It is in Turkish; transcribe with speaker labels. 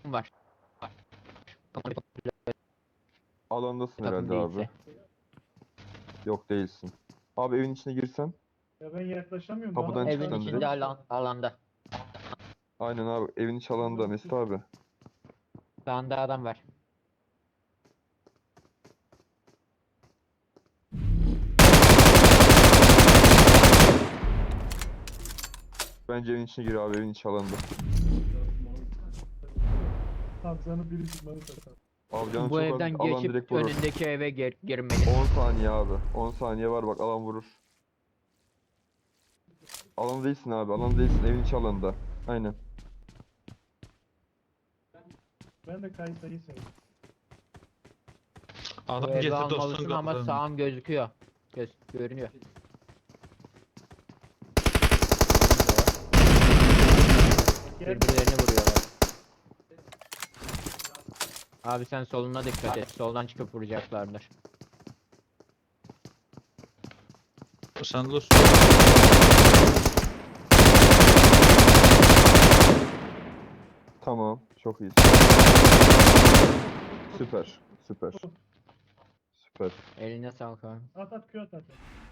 Speaker 1: var.
Speaker 2: Alandasın
Speaker 1: Takım
Speaker 2: herhalde abi.
Speaker 1: değilse.
Speaker 2: Yok değilsin. Abi evin içine girsen.
Speaker 3: Ya ben yaklaşamıyorum.
Speaker 2: Kapıdan
Speaker 3: Bana
Speaker 2: çık
Speaker 1: Evin
Speaker 2: sen
Speaker 1: içinde
Speaker 2: direkt.
Speaker 1: alanda.
Speaker 2: Aynen abi. Evin içi alanda Mesut abi.
Speaker 1: Sağında adam var.
Speaker 2: Bence evin içine gir abi. Evin içi alanda.
Speaker 3: Hamza'nın biri çıkmanı sakar.
Speaker 2: Abi canım
Speaker 1: Bu
Speaker 2: çok
Speaker 1: evden
Speaker 2: az. Alan direkt
Speaker 1: geçip
Speaker 2: vurur.
Speaker 1: önündeki eve girmeli.
Speaker 2: 10 saniye abi. 10 saniye var bak alan vurur. Alan değilsin abi. Alan değilsin. Evin içi alanda. Aynen.
Speaker 3: Ben de kayıtayı sevdim.
Speaker 1: Bu
Speaker 4: Adam
Speaker 1: evi
Speaker 4: getirdi
Speaker 1: almalısın
Speaker 4: olsun
Speaker 1: ama
Speaker 4: kapıdan.
Speaker 1: sağın gözüküyor. Görünüyor.
Speaker 3: Gel.
Speaker 1: Birbirlerini vuruyorlar. Abi sen soluna dikkat et. Soldan çıkıp vuracaklardır.
Speaker 4: Sen dur.
Speaker 2: Tamam. Çok iyisin. Süper. Süper. Süper.
Speaker 1: Eline sağlık abi.
Speaker 3: At at Q at at.